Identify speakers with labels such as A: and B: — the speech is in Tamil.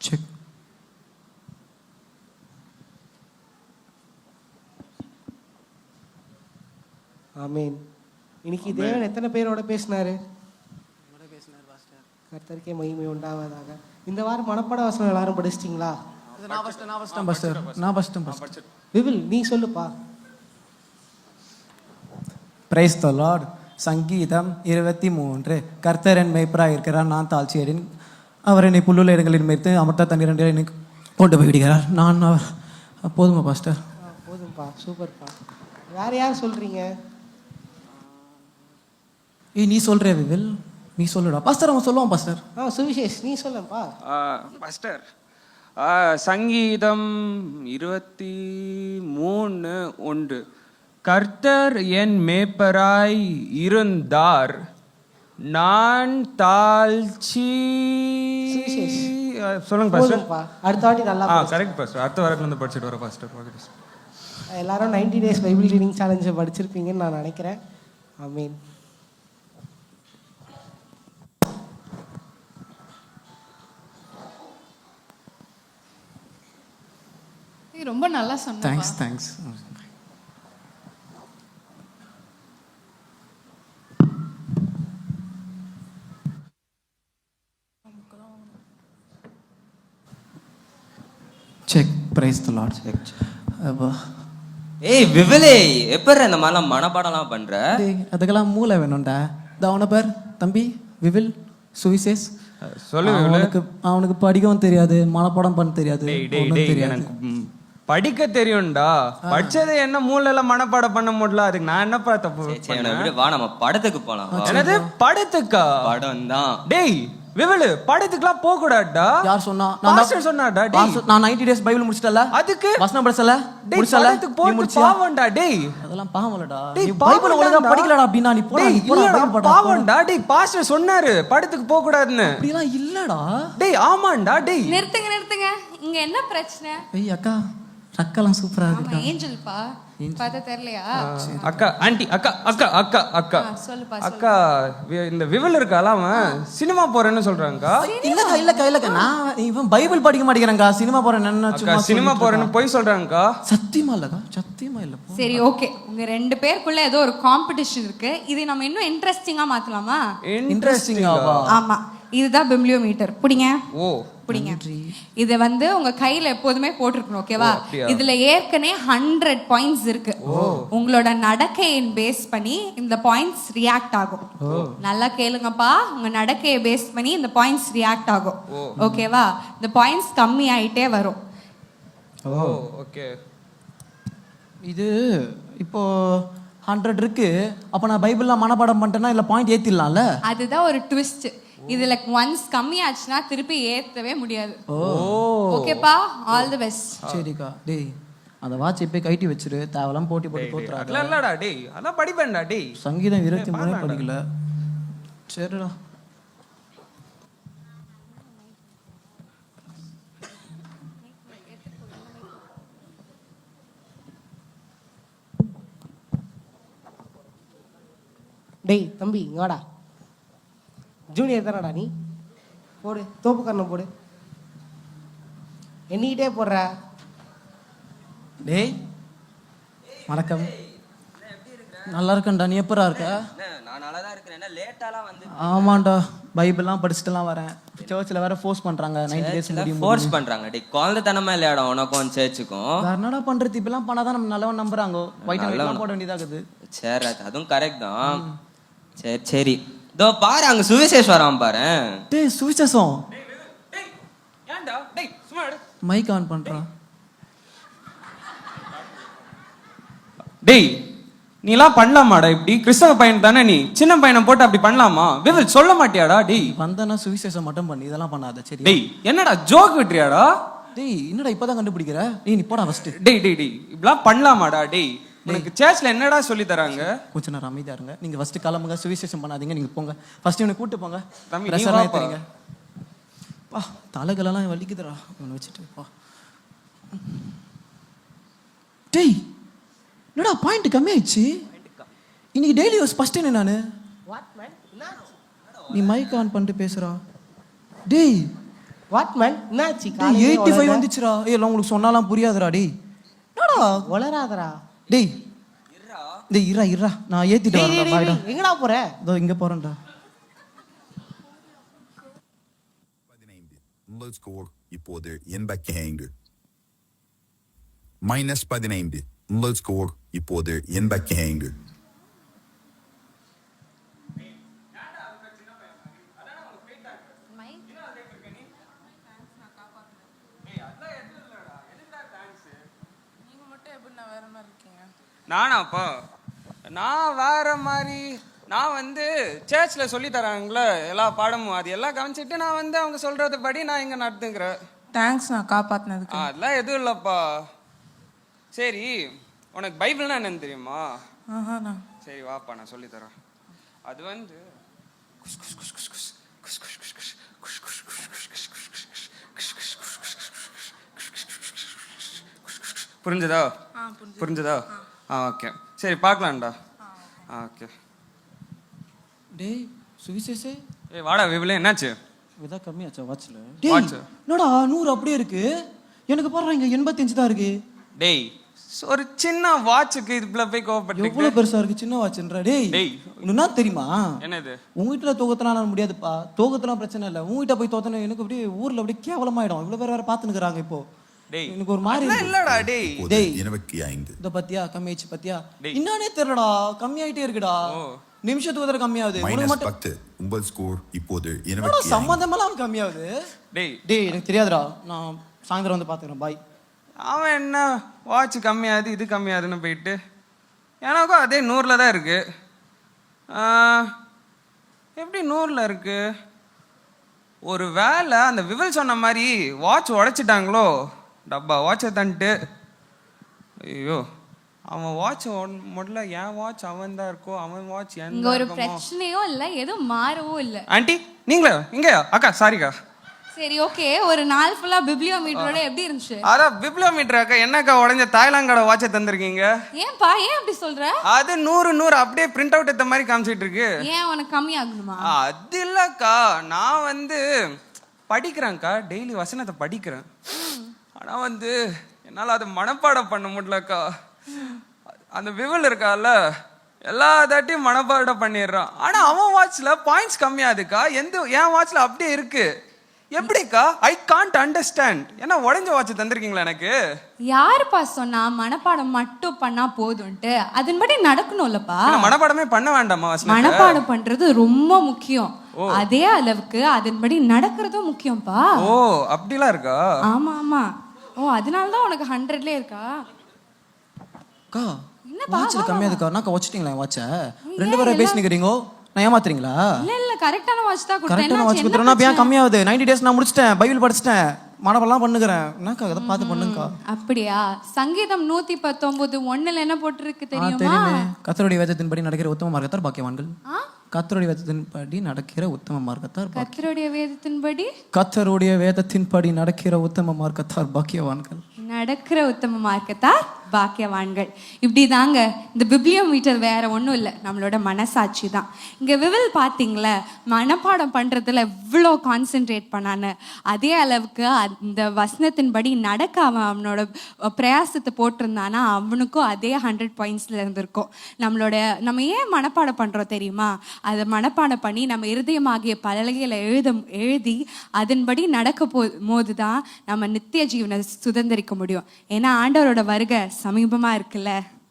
A: செக்.
B: ஆமீன். இன்னைக்கு தேவன் எத்தனை பேரோட பேசினாரு? கர்த்தருக்கே மகிமை உண்டாவதாக. இந்த வாரம் மனப்பாட வசனம் எல்லாரும் படிச்சிட்டிங்களா? விவில் நீ சொல்லுப்பா.
A: Praise the Lord. சங்கீதம் 23. கர்த்தர் என் மேய்ப்பராக இருக்கிறார், நான் தாழ்ச்சியடைன். அவர் என்னை புல்லுள்ள இடங்களில் மேய்த்து அமர்த்த தண்ணீர் என்னை கொண்டு போய் விடுகிறார். நான் போதுமா பாஸ்டர்?
B: போதும்பா, சூப்பர்ப்பா. வேற யார் சொல்றீங்க?
A: நீ சொல்ற விவில், நீ சொல்லுடா பாஸ்டர். அவன் சொல்லுவான் பாஸ்டர்.
B: சுவிசேஷ் நீ சொல்லப்பா.
C: பாஸ்டர் சங்கீதம் 23:1. கர்த்தர் என் மேய்ப்பராய் இருந்தார், நான் தாழ்ச்சி. சொல்லுங்க பாஸ்டர்.
B: அடுத்த வாட்டி நல்லா
C: கரெக்ட் பாஸ்டர். அடுத்த வாரத்துல இருந்து படிச்சிட்டு வர பாஸ்டர்.
B: எல்லாரும் 90 டேஸ் பைபிள் ரீடிங் சேலஞ்சை படிச்சிருப்பீங்கன்னு நான் நினைக்கிறேன். ஆமீன்.
D: ரொம்ப நல்லா சொன்னீங்க.
A: Thanks. Check. Praise the Lord. Check.
E: ஏய் விவிலே, எப்பற இந்த மாதிரிலாம் மனப்பாடம்லாம் பண்ற?
A: அதுக்கெல்லாம் மூளை வேணும்டா. அவனை பார் தம்பி, விவில் சுவிசேஷ். அவனுக்கு படிக்கவும் தெரியாது, மனப்பாடம் பண்ண தெரியாது.
C: படிக்க தெரியும்டா, படிச்சது என்ன மூளைல மனப்பாடம் பண்ண முடியல. அதுக்கு நான் என்னப்பா தப்பு?
E: வா நம்ம படத்துக்கு போலாம்.
C: என்னது படத்துக்கா?
E: படம் தான்.
C: டேய் விவலு, படத்துக்குலாம் போக கூடாதுடா.
A: யார் சொன்னா?
C: பாஸ்டர் சொன்னாடா. டேய்
A: நான் 90 டேஸ் பைபிள் முடிச்சிட்டல,
C: அதுக்கு
A: வசனம் படிச்சல, முடிச்சல.
C: படத்துக்கு போறது பாவம்டா. டேய்
A: அதெல்லாம் பாவம்லடா. நீ பைபிள் ஒழுங்கா படிக்கலடா அப்படினா நீ போடா. நீ போடா.
C: பாவம்டா. டேய் பாஸ்டர் சொன்னாரு படத்துக்கு போக கூடாதுன்னு.
A: அப்படிலாம் இல்லடா.
C: டேய் ஆமாண்டா. டேய்
D: நிறுத்துங்க. இங்க என்ன பிரச்சனை?
A: ஏய் அக்கா, ரக்கலாம் சூப்பரா இருக்கு.
D: ஏஞ்சல் பா, பார்த்தா தெரியலையா?
C: அக்கா, ஆண்டி, அக்கா
D: சொல்லுப்பா.
C: அக்கா, இந்த விவல் இருக்கால, அவன் சினிமா போறேன்னு சொல்றாங்கக்கா.
A: இல்லக்கா, நான் இவன் பைபிள் படிக்க மாட்டேங்கிறாங்க, சினிமா போறேன். என்ன
C: சினிமா போறேன்னு போய் சொல்றாங்கக்கா.
A: சத்தியமா இல்ல.
D: சரி ஓகே, உங்க ரெண்டு பேருக்குள்ள ஏதோ ஒரு காம்படிஷன் இருக்கு. இதை நம்ம இன்னும் இன்ட்ரெஸ்டிங்கா மாத்தலாமா?
A: இன்ட்ரெஸ்டிங்காவா?
D: ஆமா, இதுதான் பிப்ளியோமீட்டர். புடிங்க.
C: ஓ
D: புடிங்க. இது உங்க கையில எப்போதுமே போட்டிருக்கணும், ஓகேவா? இதுல ஏற்கனவே 100 பாயிண்ட்ஸ் இருக்கு. உங்களோட நடக்கையை பேஸ் பண்ணி இந்த பாயிண்ட்ஸ் ரியாக்ட் ஆகும். நல்லா கேளுங்கப்பா, உங்க நடக்கையை பேஸ் பண்ணி இந்த பாயிண்ட்ஸ் ரியாக்ட் ஆகும், ஓகேவா? இந்த பாயிண்ட்ஸ் கம்மி ஆயிட்டே வரும்.
C: ஓகே.
A: இது இப்போ 100 இருக்கு. அப்ப நான் பைபிள்லாம் மனப்பாடம் பண்ணிட்டேன்னா இல்ல பாயிண்ட் ஏத்திடலாம்ல?
D: அதுதான் ஒரு ட்விஸ்ட். இதுல ஒன்ஸ் கம்மி ஆச்சுன்னா திருப்பி ஏத்தவே முடியாது. ஓகேப்பா, ஆல் தி பெஸ்ட்.
A: சரிக்கா. டேய் அந்த வாட்ச் இப்ப கைட்டி வச்சிரு, தேவலாம் போட்டி போட்டு தோத்துறாங்க.
C: இல்லடா டேய், அதான் படிப்பேன்டா டேய்.
A: சங்கீதம் 23 படிக்கல. சரிடா.
B: டேய் தம்பி இங்கடா. ஜூனியர் தானடா நீ? போடு, தோப்பு கண்ணம் போடு. எண்ணிக்கிட்டே போடுற.
A: டேய் வணக்கம். நல்லா இருக்கேன்டா, நீ எப்பரா இருக்க?
E: நான் நல்லா தான் இருக்கேன். என்ன லேட்டாலாம் வந்து?
A: ஆமாண்டா, பைபிள்லாம் படிச்சுட்டுலாம் வரேன். சர்ச்சில் வேற ஃபோர்ஸ் பண்றாங்க 90 டேஸ் முடியும்.
E: ஃபோர்ஸ் பண்றாங்க. டேய் குழந்தைத்தனமா இல்லையாடா உனக்கும் சர்ச்சுக்கும்?
A: வேற என்னடா பண்றது? இப்பெல்லாம் பண்ணாதான் நம்ம நல்லவன் நம்புறாங்க. ஒயிட் அண்ட் ஒயிட்லாம் போட வேண்டியதாகுது.
E: சரி, அதுவும் கரெக்ட் தான். சரி இதோ பாரு, அங்க சுவிசேஷ் வரான் பாரு.
A: டேய் சுவிசேஷம்.
C: டேய் ஏன்டா? டேய் சும்மா எடு.
A: மைக் ஆன் பண்றான்.
C: டேய் நீலாம் பண்ணலாமாடா இப்படி? கிறிஸ்தவ பையன் தானே நீ, சின்ன பையனை போட்டு அப்படி பண்ணலாமா? விவில் சொல்ல மாட்டியாடா? டேய்
A: வந்தனா சுவிசேஷம் மட்டும் பண்ணி இதெல்லாம் பண்ணாத. சரி
C: டேய் என்னடா ஜோக் விட்டுறியாடா?
A: டேய் என்னடா இப்பதான் கண்டுபிடிக்கிற? டேய் நீ போடா ஃபர்ஸ்ட்.
C: டேய் இப்படிலாம் பண்ணலாமாடா? டேய் உனக்கு சர்ச்ல என்னடா சொல்லி தராங்க?
A: கொஞ்ச நேரம் அமைதியா இருங்க. நீங்க ஃபர்ஸ்ட் கிளம்புங்க, சுவிசேஷம் பண்ணாதீங்க. நீங்க போங்க ஃபர்ஸ்ட். இவனை கூட்டு போங்க.
C: தம்பி
A: பிரஷர் ஏத்துறீங்க. பா தலைகளெல்லாம் வலிக்குதுடா இவனை வச்சுட்டு. பா டேய் என்னடா பாயிண்ட் கம்மி ஆயிடுச்சு இன்னைக்கு. டெய்லி ஃபர்ஸ்ட் என்ன நானு? நீ மைக் ஆன் பண்ணிட்டு பேசுறா. டேய்
B: வாட் மேன் என்னாச்சு
A: டேய் 85 வந்துச்சுடா. ஏய் எல்லாம் உங்களுக்கு சொன்னாலாம் புரியாதுடா டேய். என்னடா
B: வளராதடா.
A: டேய் டேய் இரா நான் ஏத்திட்டு வரேன்டா பாய்டா.
B: எங்கடா போற?
A: இதோ இங்க போறேன்டா.
F: 15. முதல் ஸ்கோர் இப்போது 85. -15. முதல் ஸ்கோர் இப்போது 85.
C: நானாப்பா நான் வேற மாதிரி நான் வந்து சர்ச்சில் சொல்லி தராங்களே எல்லா பாடமும் அது எல்லாம் கவனிச்சிட்டு நான் வந்து அவங்க சொல்றது படி நான் இங்க நடத்துங்கிறேன்.
G: தேங்க்ஸ் நான் காப்பாத்தினதுக்கு.
C: அதெல்லாம் எதுவும் இல்லப்பா. சரி உனக்கு பைபிள்னா என்னன்னு தெரியுமா?
G: ஆஹாண்ணா.
C: சரி வாப்பா நான் சொல்லி தரேன். அது வந்து புரிஞ்சதா? புரிஞ்சதா? ஓகே சரி பார்க்கலாம்டா. ஓகே
A: டேய் சுவிசேஷே
C: ஏய் வாடா விபிலே என்னாச்சு?
A: இதா கம்மியாச்சா வாட்ச்ல?
C: Watch.
A: டேய் என்னடா 100 அப்படியே இருக்கு. எனக்கு பாருங்க இங்க 85 தான் இருக்கு.
C: டேய் ஒரு சின்ன வாட்சுக்கு இதுல போய் கோவப்பட்டு
A: எவ்வளவு பெருசா இருக்கு சின்ன வாட்ச்ன்றா. டேய்
C: டேய்
A: என்ன தெரியுமா?
C: என்னது?
A: உங்ககிட்ட தோகத்தலாம் முடியாதுப்பா. தோகத்தலாம் பிரச்சனை இல்லை. உங்ககிட்ட போய் தோத்தன எனக்கு அப்படியே ஊர்ல அப்படியே கேவலமாயிடும். இவ்வளவு பேர் வேற பாத்துனுக்குறாங்க இப்போ.
C: டேய்
A: எனக்கு ஒரு மாதிரி
C: அதெல்லாம் இல்லடா டேய்.
F: இப்போது 25.
A: இந்த பத்தியா கம்மியாச்சு பத்தியா?
C: டேய்.
A: இன்னே தெரியலடா கம்மியாயிட்டே இருக்குடா. நிமிஷத்துக்கு ஒரு தடவை கம்மியாகுது. உனக்கு மட்டும்
F: -10. உங்கள் ஸ்கோர் இப்போது
A: என்னடா
F: 25.
A: சம்மந்தமெல்லாம் கம்மியாகுது.
C: டேய்
A: டேய் எனக்கு தெரியாதுடா. நான் சாயந்தரம் வந்து பாத்துக்கிறேன். பாய்.
C: அவன் என்ன வாட்ச் கம்மியாகுது இது கம்மியாகுதுன்னு போயிட்டு எனக்கும் அதே 100ல் தான் இருக்கு. எப்படி 100ல் இருக்கு? ஒரு வேளை அந்த விவில் சொன்ன மாதிரி வாட்ச் உடைச்சிட்டாங்களோ? டப்பா வாட்சை தந்துட்டு ஐயோ அவன் வாட்ச் முதல்ல என் வாட்ச் அவன் தான் இருக்கோ அவன் வாட்ச்
D: இங்க ஒரு பிரச்சனையும் இல்ல, எதுவும் மாறவும் இல்ல.
C: ஆண்டி நீங்களா இங்கயா? அக்கா சாரிக்கா.
D: சரி ஓகே, ஒரு நாள் ஃபுல்லா பிப்ளியோமீட்டரோட எப்படி இருந்துச்சு?
C: அதான் பிப்ளியோமீட்டர் அக்கா என்னக்கா உடஞ்ச தாய்லாங்கோட வாட்சை தந்திருக்கீங்க?
D: ஏன்பா ஏன் அப்படி சொல்ற?
C: அது 100 அப்படியே பிரிண்ட் அவுட் எடுத்த மாதிரி காமிச்சிட்டு இருக்கு.
D: ஏன் உனக்கு கம்மி ஆகணுமா?
C: அது இல்லக்கா நான் வந்து படிக்கிறேன்க்கா, டெய்லி வசனத்தை படிக்கிறேன். ஆனா வந்து என்னால அதை மனப்பாடம் பண்ண முடியலக்கா. அந்த விவில் இருக்கால எல்லா தாட்டியும் மனப்பாடம் பண்ணிடுறான். ஆனா அவன் வாட்ச்ல பாயிண்ட்ஸ் கம்மியாதுக்கா. என் வாட்ச்ல அப்படியே இருக்கு. எப்படிக்கா? I can't understand. என்ன உடைஞ்ச வாட்ச் தந்திருக்கீங்களா எனக்கு?
D: யாருப்பா சொன்னா மனப்பாடம் மட்டும் பண்ணா போதும்ட்டு? அதன்படி நடக்கணும்லப்பா.
C: மனப்பாடமே பண்ண வேண்டாமா?
D: மனப்பாடம் பண்றது ரொம்ப முக்கியம். அதே அளவுக்கு அதன்படி நடக்கிறதும் முக்கியம்ப்பா.
C: ஓ அப்படிலாம் இருக்கா?
D: ஆமா ஆமா. ஓ அதனாலதான் உனக்கு 100ல இருக்கா?
A: அக்கா வாட்ச்ல கம்மியாதுக்கா. நான் வச்சிட்டீங்களா வாட்சை? ரெண்டு பேரும் பேசிக்கிறீங்க. நான் ஏமாத்துறீங்களா?
D: இல்ல இல்ல கரெக்டான வாட்ச் தான் கொடுத்தேன்.
A: கரெக்டான வாட்ச் கொடுத்துறேன். நான் ஏன் கம்மியாகுது? 90 டேஸ் நான் முடிச்சிட்டேன். பைபிள் படிச்சிட்டேன். மனப்பெல்லாம் பண்ணுகிறேன். என்னக்கா அதை பார்த்து பண்ணுங்கக்கா.
D: அப்படியா? சங்கீதம் 119:1 என்ன போட்டிருக்கு தெரியுமா?
A: தெரியுமே. கர்த்தருடைய வேதத்தின்படி நடக்கிற உத்தம மார்க்கத்தார் பாக்கியவான்கள். கர்த்தருடைய வேதத்தின்படி நடக்கிற உத்தம மார்க்கத்தார்.
D: கர்த்தருடைய வேதத்தின்படி
A: கர்த்தருடைய வேதத்தின்படி நடக்கிற உத்தம மார்க்கத்தார் பாக்கியவான்கள்.
D: நடக்கிற உத்தம மார்க்கத்தார் பாக்கியவான்கள். இப்படி தாங்க இந்த பிப்ளியோமீட்டர் வேற ஒன்றும் இல்லை, நம்மளோட மனசாட்சி தான். இங்கே விவில் பார்த்தீங்களே மனப்பாடம் பண்ணுறதுல எவ்வளோ கான்சென்ட்ரேட் பண்ணான்னு, அதே அளவுக்கு அந்த வசனத்தின்படி நடக்க அவனோட பிரயாசத்தை போட்டிருந்தானா அவனுக்கும் அதே 100 பாயிண்ட்ஸில் இருந்திருக்கும். நம்ம ஏன் மனப்பாடம் பண்ணுறோம் தெரியுமா? அதை மனப்பாடம் பண்ணி நம்ம இருதயமாகிய பலகையில் எழுதி அதன்படி நடக்க போது தான் நம்ம நித்திய ஜீவனை சுதந்திரிக்க முடியும். ஏன்னா ஆண்டவரோட வருகை சமீபமா இருக்குல்ல.